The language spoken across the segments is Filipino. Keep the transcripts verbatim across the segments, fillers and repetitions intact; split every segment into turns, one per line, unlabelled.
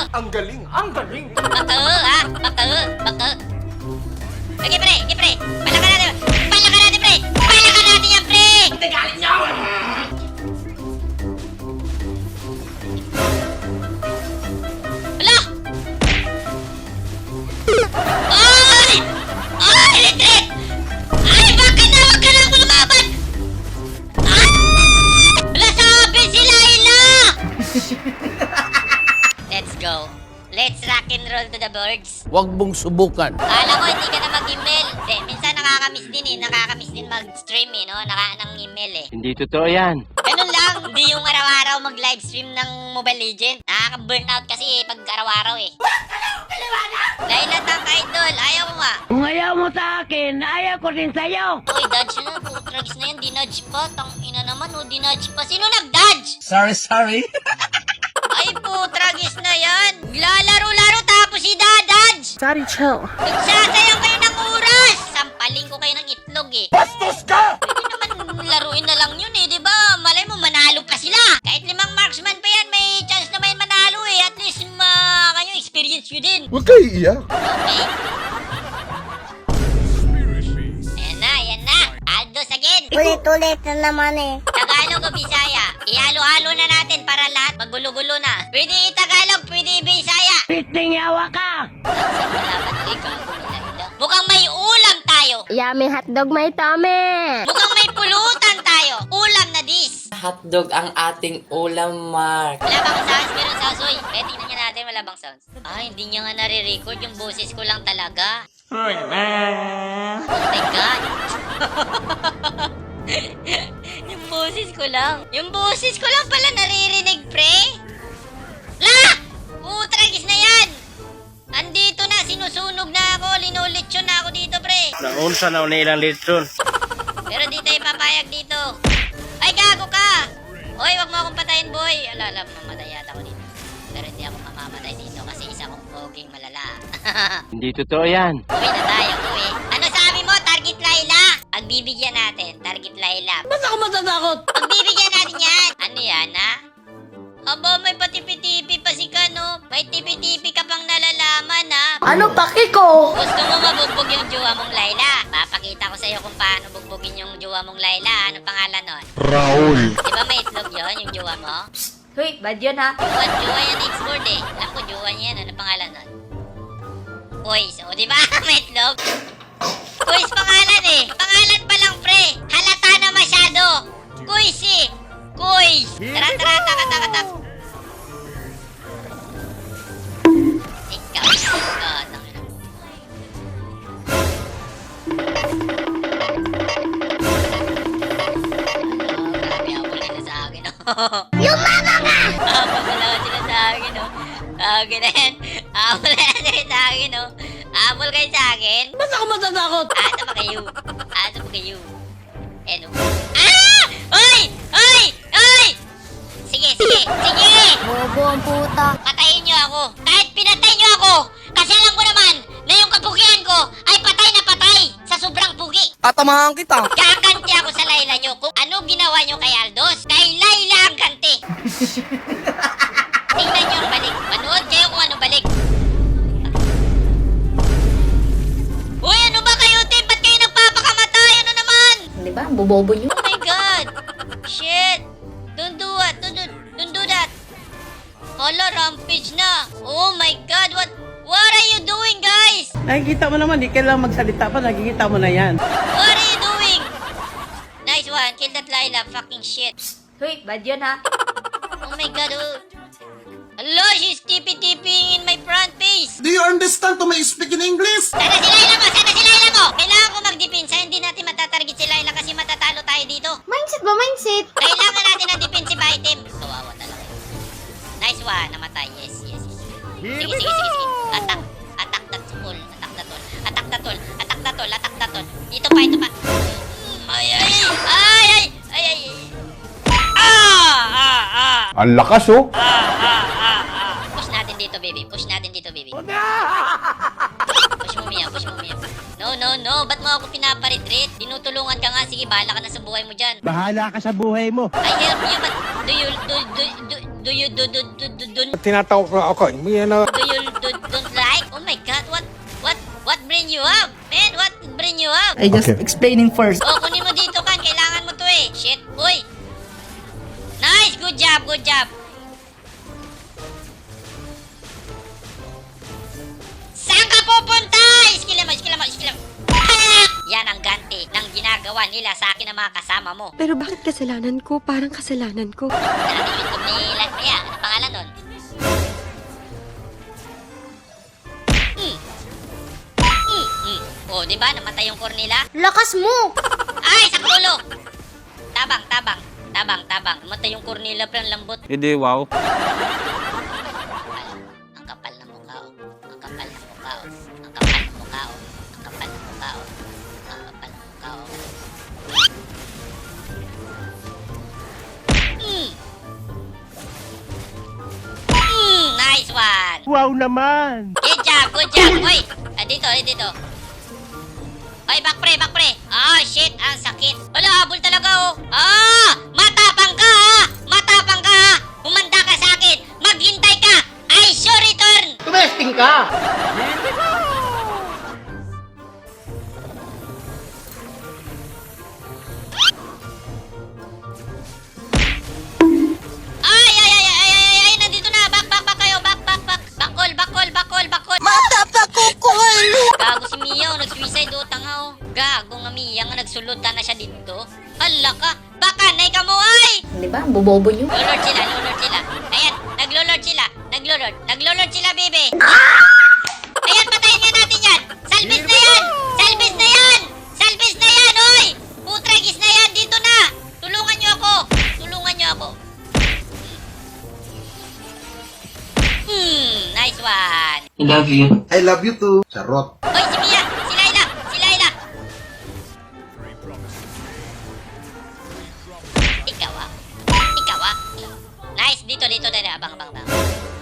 Ang galing! Ang galing!
Baka, ha? Baka, baka. Sige, pre, sige, pre. Palakan natin. Palakan natin, pre. Palakan natin yan, pre.
Hindi galit niyo!
Hala! Ay! Ay, retreat! Ay, baka na, wag ka na ako lumaban! Ay! Wala sabi si Layla! Let's go. Let's rock and roll to the birds.
Huwag mong subukan.
Kala ko hindi ka na mag-email. Hindi, minsan nakakamiss din eh. Nakakamiss din mag-stream eh, no? Naka ng email eh.
Hindi totoo yan.
Ganun lang. Hindi yung araw-araw mag-livestream ng Mobile Legends. Nakaka-burnout kasi eh, pag araw-araw eh. Layla Tank Idol, ayaw mo nga.
Kung ayaw mo sa akin, ayaw ko rin sa'yo.
Uy, dodge na. Putragis na yan. Dinudge pa. Tang ina naman, oh. Dinudge pa. Sino nag-dodge?
Sorry, sorry!
Ay, putragis na yan. Lalaro-laro tapos si Dadadge.
Sorry, chill.
Nagsasayang kayo ng oras. Sampaling ko kayo ng itlog eh.
Bastos ka!
Pwede naman laruin na lang yun eh, di ba? Malay mo, manalo pa sila. Kahit limang marksman pa yan, may chance na may manalo eh. At least, ma kayo, experience nyo din.
Huwag kayo iiyak.
Okay. Ayan na, ayan na. Aldos again.
Ulit-ulit na naman eh.
Tagalog o Bisaya. Ihalo-halo na natin para lahat magulo-gulo na. Pwede i-Tagalog, pwede i-Bisaya.
Piting yawa ka!
Mukhang may ulam tayo.
Yummy hotdog may tame!
Mukhang may pulutan tayo. Ulam na dis.
Hotdog ang ating ulam, Mark.
Wala bang sounds? Meron sounds, uy. Eh, tingnan niya natin, wala bang sounds? Ah, hindi niya nga nare-record. Yung boses ko lang talaga. Oh my God. Yung boses ko lang. Yung boses ko lang pala naririnig, pre. La! Putragis na yan. Andito na, sinusunog na ako. Linulitsyon na ako dito, pre.
Naunsa na una ilang litron.
Pero di tayo papayag dito. Ay, gago ka! Hoy, wag mo akong patayin, boy. Alala, mamatay yata ako dito. Pero hindi ako mamamatay dito kasi isa kong poging malala.
Hindi totoo yan.
Uwi na tayo, uwi. Ano sabi mo, Target Layla? Pagbibigyan natin, Target Layla.
Ba't ako matatakot?
Pagbibigyan natin yan. Ano yan, ha? Aba, may patipi-tipi pa si Kano. May tipi-tipi ka pang nalalaman, ha?
Ano paki ko?
Gusto mo mabugbog yung jowa mong Layla? Papakita ko sa'yo kung paano bugbogin yung jowa mong Layla. Anong pangalan nun?
Raul.
Di ba may itlog yun, yung jowa mo?
Hoy, bad yun ha?
Jowa, jowa yan export eh. Alam ko, jowa niya yan. Anong pangalan nun? Kuis. O, di ba? May itlog. Kuis pangalan eh. Pangalan pa lang, pre. Halata na masyado. Kuis eh. Kuis. Tara, tara, taka, taka, taka. Ikaw, ikaw. Tangina. Ano, grabe, habol nila sa akin, oh.
Lumama ka!
Habol na lang sila sa akin, oh. Habol na yan. Habol na lang sila sa akin, oh. Habol kayo sa akin.
Ba't ako matatakot?
Asa pa kayo? Asa pa kayo? Ano? Ah! Oy! Oy! Oy! Sige, sige, sige!
Bobo ang puta.
Patayin niyo ako. Kahit pinatay niyo ako, kasi alam ko naman na yung kapugian ko ay patay na patay sa sobrang pugi.
Tatamahan kita.
Kakanti ako sa Layla niyo kung ano ginawa niyo kay Aldos. Kay Layla ang ganti. Tingnan niyo ang balik. Manood kayo kung ano balik. Uy, ano ba kayo, Tim? Ba't kayo nagpapakamatay? Ano naman?
Di ba? Bobobo nyo.
Oh my God! Shit! Don't do it! Don't do, don't do that! Hala, rampage na! Oh my God! What What are you doing, guys?
Nakikita mo naman, di kailangan magsalita pa, nakikita mo na yan.
What are you doing? Nice one! Kill that Layla! Fucking shit!
Hoy, bad yun ha?
Oh my God! Oh. Hello! She's tipi-tipping in my front face!
Do you understand to my speak in English?
Sana si Layla mo! Sana si Layla mo! Kailangan ko magdepensa. Hindi natin matatarget si Layla kasi matatalo tayo dito.
Mindset ba, mindset?
Kailangan natin ng defensive item. Kawawa talaga. Nice one. Namatay. Yes, yes, yes. Sige, sige, sige, sige. Attack. Attack that tool. Attack that tool. Attack that tool. Attack that tool. Attack that tool. Ito pa, ito pa. Mm, Ay, ay, ay, ay, ay, ay, ay. Ah, ah, ah.
Ang lakas oh.
Ah, ah, ah, ah. Push natin dito, baby. Push natin dito, baby. Push mo, Mia. Push mo, Mia. No, no, no. Ba't mo ako pinaparetreat? Tinutulungan ka nga. Sige, bahala ka na sa buhay mo dyan.
Bahala ka sa buhay mo.
I help you, but do you, do, do, do, Do you do do do do do,
Tinatawag ko ako. Hindi na...
do you do don't like? Oh my god, what what what bring you up? Man, what bring you up?
I just explaining first.
Oh, kunin mo dito kan, kailangan mo to eh. Shit, uy. Nice, good job, good job. Saan ka pupunta? Iskila mo, iskila mo, iskila mo. Ah! Yan ang ganti ng ginagawa nila sa akin ng mga kasama mo.
Pero bakit kasalanan ko? Parang kasalanan ko.
Yan ang YouTube ni Latria. Ano pangalan nun? Hmm. Hmm, hmm. Oh, di ba? Namatay yung Cornila?
Lakas mo!
Ay, sa ulo! Tabang, tabang, tabang, tabang. Namatay yung Cornila, pero ang lambot.
Hindi, wow.
Ang kapal ng mukha, oh. Ang kapal ng mukha, oh. Ang kapal ng mukha, oh. Ang kapal ng mukha, oh. Ang kapal ng mukha, oh. Mm. Mm, nice one!
Wow naman!
Good job, good job! Uy! Ah, dito, eh, dito. Ay, back pre, back pre! Ah, shit! Ang sakit! Wala, habol talaga, oh! Ah! Matapang ka, ha! Matapang ka, ha! Humanda ka sa akin! Maghintay ka! I sure return!
Tumesting ka!
Ay, ay, ay, ay, ay, ay, ay, nandito na! Back, back, back kayo! Back, back, back! Backol, backol, backol, backol!
Matapakukul!
Gago si Mia, oh, nag-suicide, oh, tanga, oh. Gago nga Mia, nga nagsulod na siya dito. Hala ka! Baka, nay ka mo, ay!
Di ba? Ang bobobo nyo.
Lolord sila, lolord sila. Ayan, naglolord sila. Naglolord. Naglolord sila, baby. Ayan, patayin nga natin yan. Salvis na yan! Salvis na yan! Salvis na yan, oy! Putragis na yan, dito na! Tulungan nyo ako! Tulungan nyo ako. Hmm, nice one.
I love you.
I love you too. Charot.
Oy, si Mia! Si Laila! Si Laila! Ikaw ah. Ikaw ah. Nice, dito, dito, dito. Abang, abang, abang.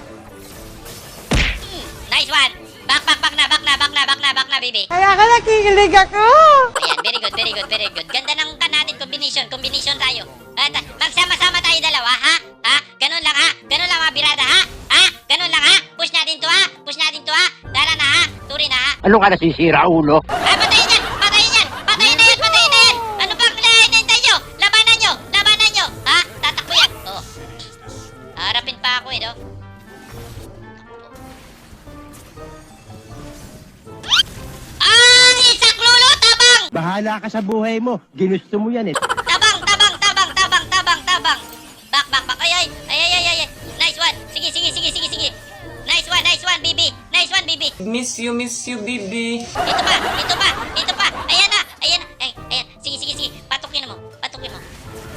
Hmm, nice one. Back, back, back na, back na, back na, back na, back na, baby.
Kaya ka nakikilig ako!
Ayan, very good, very good, very good. Ganda ng kan natin, combination, combination tayo. At, ah, magsama-sama tayo dalawa, ha? Ha? Ganun lang, ha? Ganun lang, mga birada, ha? Ha? Ganun lang, ha? Push natin to, ha? Push natin to, ha? Dala na, ha? Turi na, ha?
Ano ka nasisira, ulo?
Ah, patayin yan! Patayin yan! Patayin na yan! Patayin na yan! Ano bang hinihintay nyo? Labanan nyo! Labanan nyo! Ha? Tatakbo yan! Oh. Harapin pa ako eh, no? Ay! Saklulo! Tabang!
Bahala ka sa buhay mo. Ginusto mo yan eh.
Tabang! Tabang! Tabang! Tabang! Tabang! Tabang! Back! Back! Back! Ay! Ay! Ay! Ay! Ay! Ay! Nice one! Sige! Sige! Sige! Sige! Sige! Nice one! Nice one, baby! Nice one, baby!
Miss you, miss you, baby.
Ito pa! Ito pa! Ito pa! Ayan na! Ayan na! Ay! Ayan! Sige! Sige! Sige! Patukin mo! Patukin mo!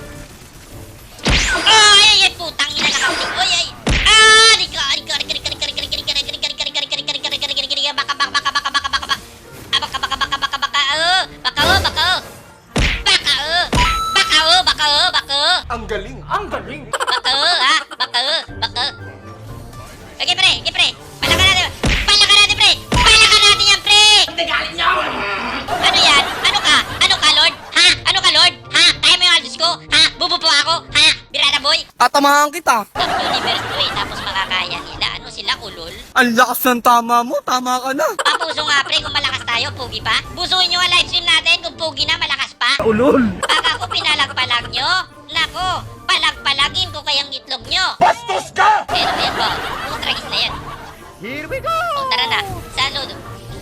Ay! Ay! Ay! Putang ina nakauling! Oy! Ay! Ah! Rika! Rika! Rika! Rika! Rika! Rika! Rika! Rika! Rika! Rika! Rika! Rika! Rika! Rika! Rika! Rika! Rika! Rika! Baka! Baka! Baka! Baka! Baka! Baka! Baka! Ah! Baka! Baka! Baka! Baka! Baka! Oh! Baka! Oh! Baka! Oh! Baka! Oh! Baka! Oh! Baka! Oh! Baka! Oh!
Ang galing! Ang galing!
Baka! Oh! Ha? Baka! Oh! Baka! Oh! Okay, pre! Okay, pre! Palakan natin! Palakan natin, pre! Palakan natin yan, pre!
Galit niyo!
Ano yan? Ano ka? Ano ka, Lord? Ha? Ano ka, Lord? Ha? Kaya mo yung aldos ko? Ha? Bubo po ako? Ha? Birada boy?
Tatamahan kita.
Top universe to eh, tapos makakaya nila. Ano sila, ulol?
Ang lakas ng tama mo. Tama ka na.
Papuso nga, pre, kung malakas tayo, pugi pa. Busuin nyo ang livestream natin kung pugi na, malakas pa.
Ulol!
Baka ko pinalag-palag nyo. Nako, palag-palagin ko kayang itlog nyo.
Bastos ka!
Pero yan po, putragis na yan.
Here we go!
O, tara na. Saan load?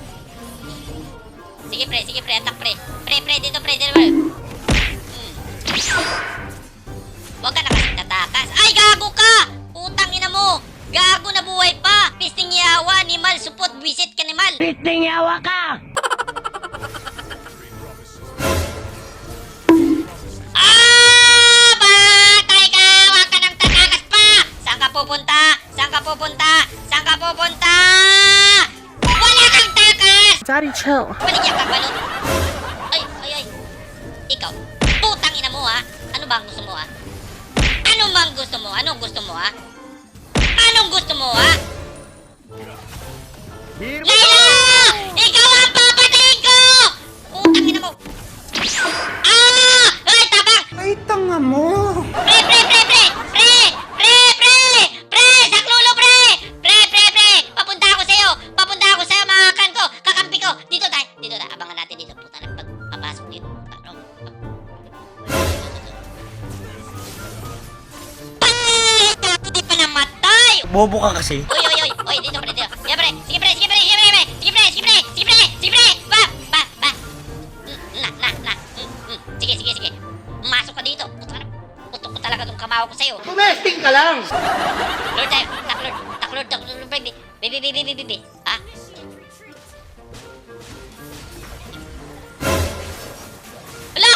Sige, pre. Sige, pre. Attack, pre. Pre, pre. Dito, pre. Dito, pre. Hmm. Huwag ka na kasi tatakas. Ay, gago ka! Putang ina mo! Gago na buhay pa! Pisting yawa, animal, supot, visit ka, animal!
Piting yawa ka!
Ah! Patay ka! Huwag ka nang tatakas pa! Saan ka pupunta? Saan ka pupunta? Saan ka pupunta? Wala kang takas!
Daddy, chill.
Baligyan ka, balot. Ay, ay, ay. Ikaw, putang ina mo, ha? Ano ba ang gusto mo, ha? Ano ba ang gusto mo? Anong gusto mo, ha? Anong gusto mo, ha?
Here we
Layla! Ikaw ang papatayin ko! Putang ina mo. Ah! Ay, tabang!
Ay, tanga mo!
Pre, pre, pre, pre! Pre! Pre, pre!
Bobo ka kasi.
Uy, uy, uy. Uy, dito, pre, dito. Sige, pre. Sige, pre. Sige, pre. Sige, pre. Sige, pre. Sige, pre. Sige, pre. Sige, pre. Ba, ba, ba. Mm, Na, na, na. Mm, mm. Sige, sige, sige. Masok ka dito. Puto ka na. Putok ko talaga tong kamawa ko sa'yo.
Tumesting ka lang!
Lord tayo. Tak, Lord. Tak, Lord. Tak, Lord. Baby. Baby, baby, baby, baby. Ha? Hala!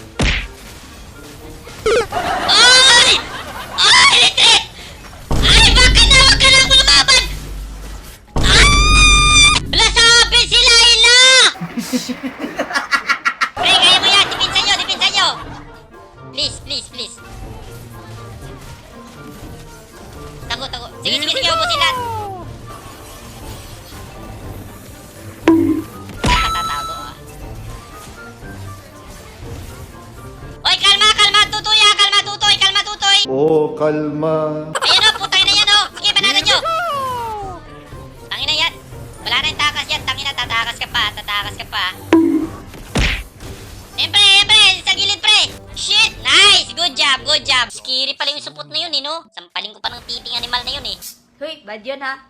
Ay! Ay, retreat! Ay, baka na, wag ka na lumaban! Ay! Wala, sabi si Laila! Pre, kaya mo yan! Dipinsan nyo, dipinsan nyo! Please, please, please. Tago, tago. Sige, sige, sige, ubusin lahat. Nakatatago, ah. Oy, kalma, kalma, tutoy, ah, kalma, tutoy, kalma, tutoy.
Oh, kalma.
Ayan o, putang ina yan o. Sige, banatan nyo. Tangina yan. Wala na yung takas yan. Tangina, tatakas ka pa, tatakas ka pa. Ayan, pre, ayan, pre. Sa gilid, pre. Shit, nice. Good job, good job. Scary pala yung supot na yun, eh, no? Sampaling ko pa ng titing animal na yun, eh.
Hoy, bad yun ha.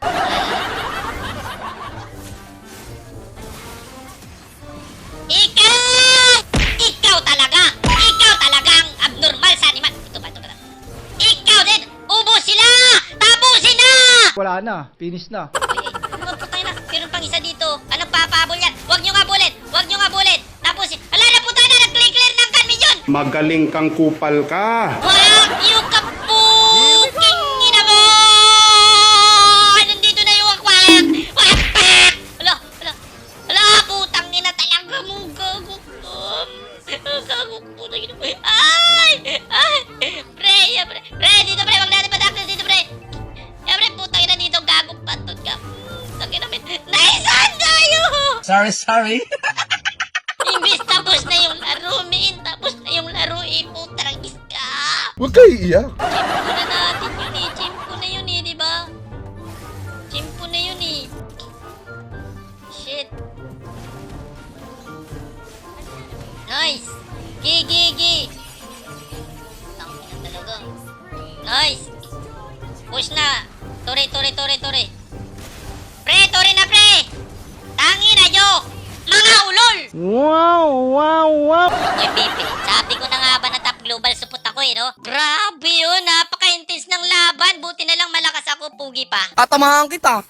Ikaw! Ikaw talaga! Ikaw talaga ang abnormal sa animal. Ito ba, ito ba? Ikaw din! Ubus sila! Tapusin na!
Wala na, finish na.
Uy, ay, putang ina. Meron pang isa dito. Anong papabol yan? Huwag nyo nga bullet! Huwag nyo nga bullet! Tapusin. Ala na, putang na! Nag-clear ng kanmin yun!
Magaling kang kupal ka.
Wag yung kapuking ina mo! Nandito na yung wakwak! Wakwak! Ala, ala, ala, putang ina talaga mo, gago ko. Gago ko, putang ina mo. Ay! Ay! Pre, ya, pre. Pre, dito pre, wag natin padaklas dito pre. Ya, pre, putang ina dito, gago patot ka. Putang ina min. Naisan tayo!
Sorry, sorry.
Imbis tapos na yung laro, min. Tapos na yung laro, eh, putang iska.
Huwag kayo iyak.
Chimpo na natin yun eh. Chimpo na yun eh, di ba? Chimpo na yun eh. Shit. Nice. Gi, gi, gi. Tangina talaga. Nice. Push na. Tore, tore, tore, tore. Pre, tore na pre. Tangina nyo. Mga ulol.
Wow, wow, wow.
Oy, Pipi, sabi ko na nga ba na top global support ako eh, no? Grabe yun, napaka-intense ng laban. Buti na lang malakas ako, pugi pa.
Tatamahan kita.